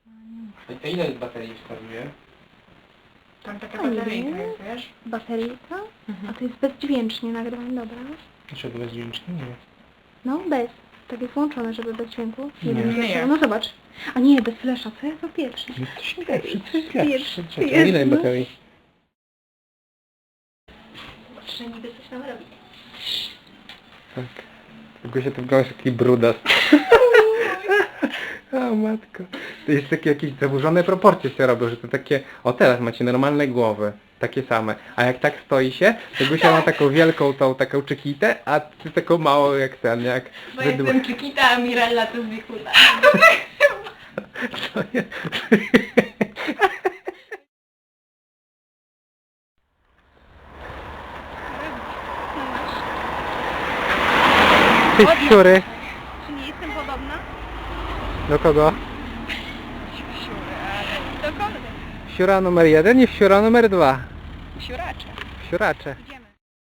A ile baterii wskazuje? Tam taka bateryjka jest, wiesz? Bateryjka? A to jest bezdźwięcznie nagrywane, dobra. Dlaczego bezdźwięcznie? Nie. No, bez. Tak jest włączone, żeby bez dźwięku. Nie. wiem, Nie. dlaczego. No zobacz. A nie, bez flesza, co ja to pierwszy? No to się pierwszy, to jest Pierwszy. pierwszy. Czekaj, a ile baterii? Że niby coś nam robi. Tak. Tylko się tu wyglądasz taki brudas. O matko. To jest takie jakieś zaburzone proporcje się robią, że to takie... O teraz macie normalne głowy. Takie same. A jak tak stoi się, to Gusia ma taką wielką tą taką czekitę, a ty taką małą jak ten, jak... Bo jestem Chiquita, a Mirella to Zwichuta. Co jest? Ty siury. Czy nie jestem podobna? Do kogo? Do kogo? Siura numer 1 i siura numer 2. Siuracze. Siuracze. Idziemy.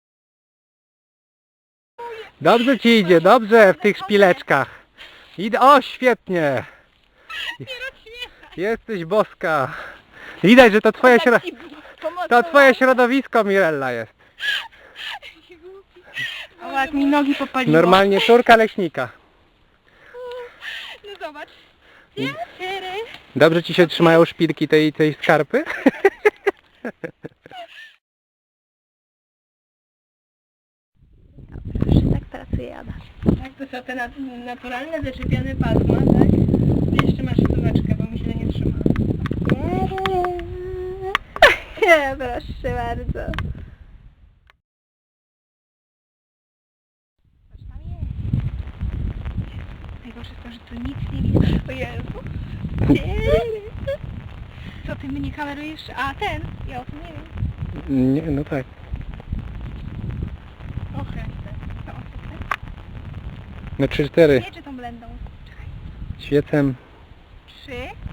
Dobrze ci idzie, dobrze w tych szpileczkach. Idę, o świetnie. Jesteś boska. Widać, że to twoje to twoje środowisko, Mirella jest. O, jak mi nogi popaliło. Normalnie córka leśnika. No zobacz. Dobrze ci się trzymają szpilki tej skarpy? Dobrze, tak pracuje Ada. Tak, to są te naturalne, zaczepione pasma, tak? Ty jeszcze masz wtóweczkę, bo mi źle nie trzyma. Nie, proszę bardzo. Patrz, tam jest. Najgorsze jest to, że tu nic nie widać. O Jezu. Co ty mnie kamerujesz? A ten? Ja o tym nie wiem. Nie, no tak. O Chryste. Co on chce? No 3-4. Nie, czy tą blendą? Czekaj. Świecem. 3,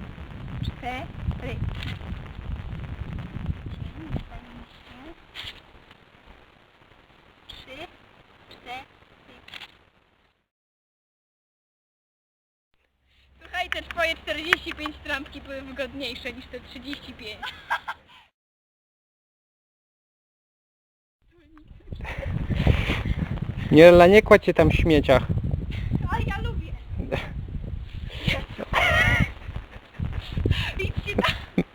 4. Słuchaj, te twoje 45 trampki były wygodniejsze niż te 35. Mirella, nie kładź się tam w śmieciach. Ale ja lubię. Idźcie tam.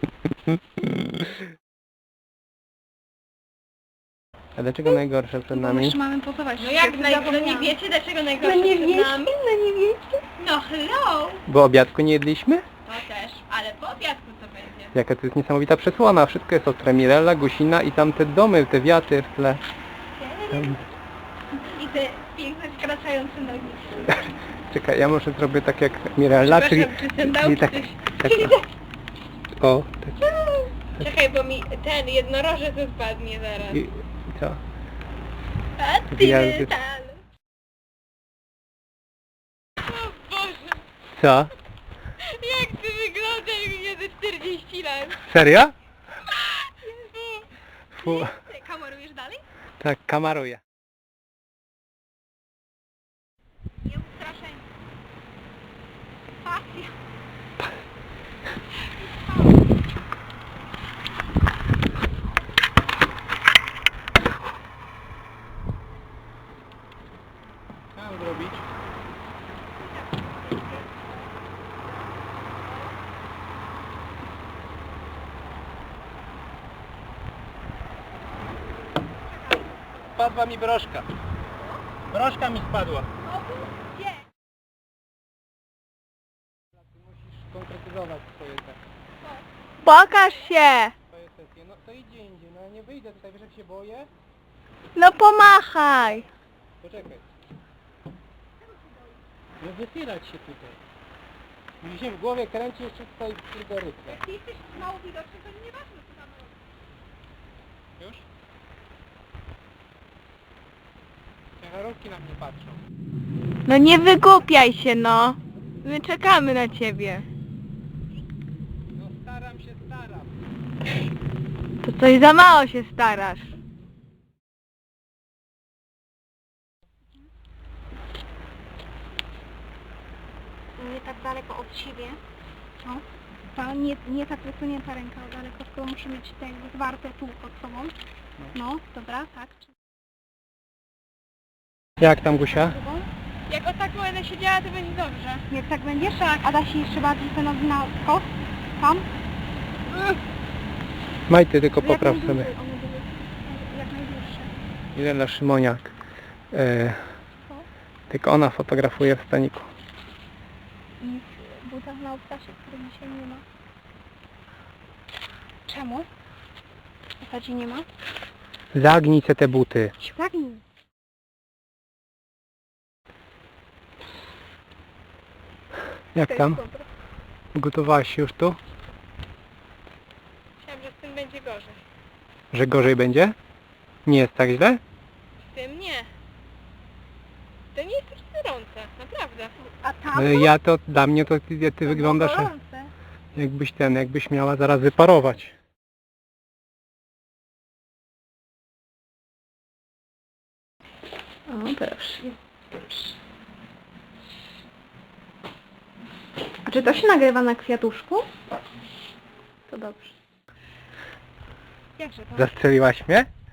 A dlaczego najgorsze przed Bo nami? jeszcze mamy pozować. No jak no nie wiecie, dlaczego No najgorsze nie przed wiecie, nami? no nie wiecie. No hello! Bo obiadku nie jedliśmy? To też, ale po obiadku co będzie? Jaka to jest niesamowita przesłona. Wszystko jest ostre. Mirella, Gusina i tam te domy, te wiaty w tle. Tam. I te piękne skracające nogi. Czekaj, ja może zrobię tak jak Mirella, czyli... Przepraszam, czy ten dał, czyli czy tak, coś? tak, o, tak. Czekaj, bo mi ten jednorożec spadnie zaraz. I co? A ty Gwiazdy. metal. O Boże, Co? jak ty wyglądasz mnie ze 40 lat. Serio? Jezu. Fu. Ty kamerujesz dalej? Tak, kamaruję. Nie ustraszeń. Pasja. Co mam zrobić? Spadła mi broszka. Broszka mi spadła. Gdzie? Musisz konkretyzować swoje te. Pokaż się. Swoje sesje. No to idzie indziej, no ja nie wyjdę tutaj, wiesz jak się boję? No pomachaj. Poczekaj. Nie wysierać się tutaj. Mi się w głowie kręci jeszcze tutaj algorytmy. Ty jesteś mało widoczny, to nieważne co tam robisz. Już? Ciężarówki na mnie patrzą. No nie wygłupiaj się, no. My czekamy na ciebie. No staram się, staram. To coś za mało się starasz. Nie tak daleko od siebie. No. ta, nie tak wysunięta ręka daleko, tylko muszę mieć te jakby zwarte tu pod sobą. No, dobra, tak. Jak tam, Gusia? Drugą. Jak o tak będę siedziała, to będzie dobrze. Jak tak będziesz? Tak. A da się jeszcze bardziej te nogi na skos? Tam? Majty, tylko Jak popraw najdłużej, sobie. one były jak najdłuższe. Ile na Szymoniak. Co? Tylko ona fotografuje w staniku. I w butach na obcasie, których dzisiaj nie ma. Czemu? W zasadzie nie ma? Zagnij se te buty. Świetnie. Jak tam? Gotowałaś się już tu? Myślałam, że z tym będzie gorzej. Że gorzej będzie? Nie jest tak źle? Z tym nie. To nie jest takie gorące, naprawdę. A tam? Ja to, dla mnie to ty wyglądasz Gorące. jakbyś miała zaraz wyparować. O, proszę. A czy to się nagrywa na kwiatuszku? To dobrze. Jakże to? Zastrzeliłaś mnie?